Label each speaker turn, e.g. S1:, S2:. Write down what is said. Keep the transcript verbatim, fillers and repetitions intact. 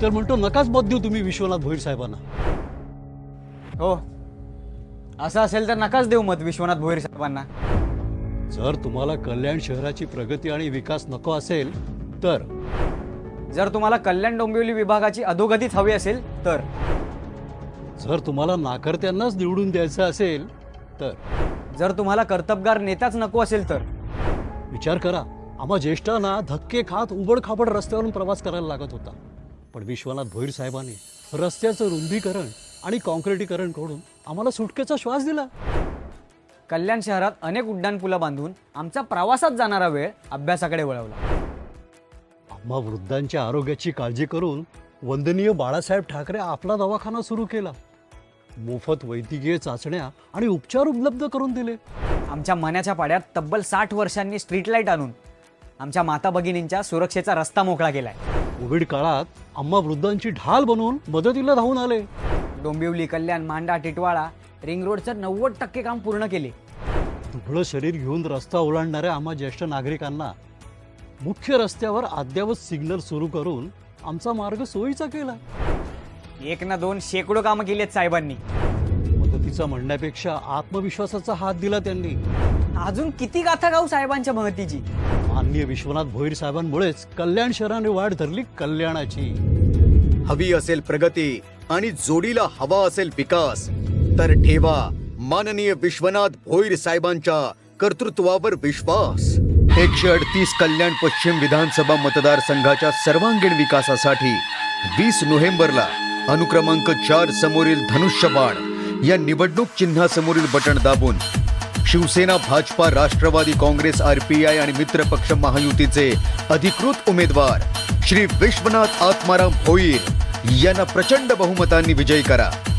S1: तर म्हणतो नकाच मत देऊ तुम्ही विश्वनाथ भोईर साहेबांना.
S2: हो, असं असेल तर नकाच देऊ मत विश्वनाथ भोईर साहेबांना.
S1: जर तुम्हाला कल्याण शहराची प्रगती आणि विकास नको असेल तर,
S2: जर तुम्हाला कल्याण डोंबिवली विभागाची अधोगतीच हवी असेल तर,
S1: जर तुम्हाला नाकर्त्यांनाच निवडून द्यायचं असेल तर,
S2: जर तुम्हाला कर्तबगार नेताच नको असेल तर,
S1: विचार करा. आम्हा ज्येष्ठांना धक्के खात उबडखाबड रस्त्यावरून प्रवास करायला लागत होता, पण विश्वनाथ भोईर साहेबांनी रस्त्याचं रुंदीकरण आणि कॉन्क्रिटीकरण करून आम्हाला सुटकेचा श्वास दिला.
S2: कल्याण शहरात अनेक उड्डाणपुलं बांधून आमचा प्रवासात जाणारा वेळ अभ्यासाकडे वळवला.
S1: आम्हा वृद्धांच्या आरोग्याची काळजी करून वंदनीय बाळासाहेब ठाकरे आपला दवाखाना सुरू केला. मोफत वैद्यकीय चाचण्या आणि उपचार उपलब्ध करून दिले.
S2: आमच्या मनाच्या पाड्यात तब्बल साठ वर्षांनी स्ट्रीट लाईट आणून आमच्या माता भगिनींच्या सुरक्षेचा रस्ता मोकळा केलाय.
S1: कोविड काळात आम्हा वृद्धांची ढाल बनवून मदतीला धावून आले.
S2: डोंबिवली, कल्याण, मांडा, टिटवाळा, रिंग रोडचं नव्वद टक्के काम पूर्ण केले.
S1: दुबळं शरीर घेऊन रस्ता ओलांडणाऱ्या आम्हा ज्येष्ठ नागरिकांना मुख्य रस्त्यावर अद्ययावत सिग्नल सुरू करून आमचा मार्ग सोयीचा केला.
S2: एक ना दोन शेकडो कामं केली आहेत साहेबांनी.
S1: मदतीचा म्हणण्यापेक्षा आत्मविश्वासाचा हात दिला त्यांनी.
S2: अजून किती गाथा गाऊ साहेबांच्या महतीची.
S1: माननीय विश्वनाथ भोईर साहेबांमुळेच कल्याण शहराने वाढ धरली कल्याणाची.
S3: हवी असेल प्रगती आणि जोडीला हवा असेल विकास तर ठेवा माननीय विश्वनाथ भोईर साहेबांच्या कर्तृत्वावर विश्वास. एकशे अडतीस कल्याण पश्चिम विधानसभा मतदारसंघाच्या सर्वांगीण विकासासाठी वीस नोव्हेंबरला अनुक्रमांक चार समोरील धनुष्यबाण या निवडणूक चिन्हासमोरील बटण दाबून शिवसेना, भाजपा, राष्ट्रवादी काँग्रेस, आरपीआय आणि मित्रपक्ष महायुतीचे अधिकृत उमेदवार श्री विश्वनाथ आत्माराम भोईर यांना प्रचंड बहुमतांनी विजयी करा.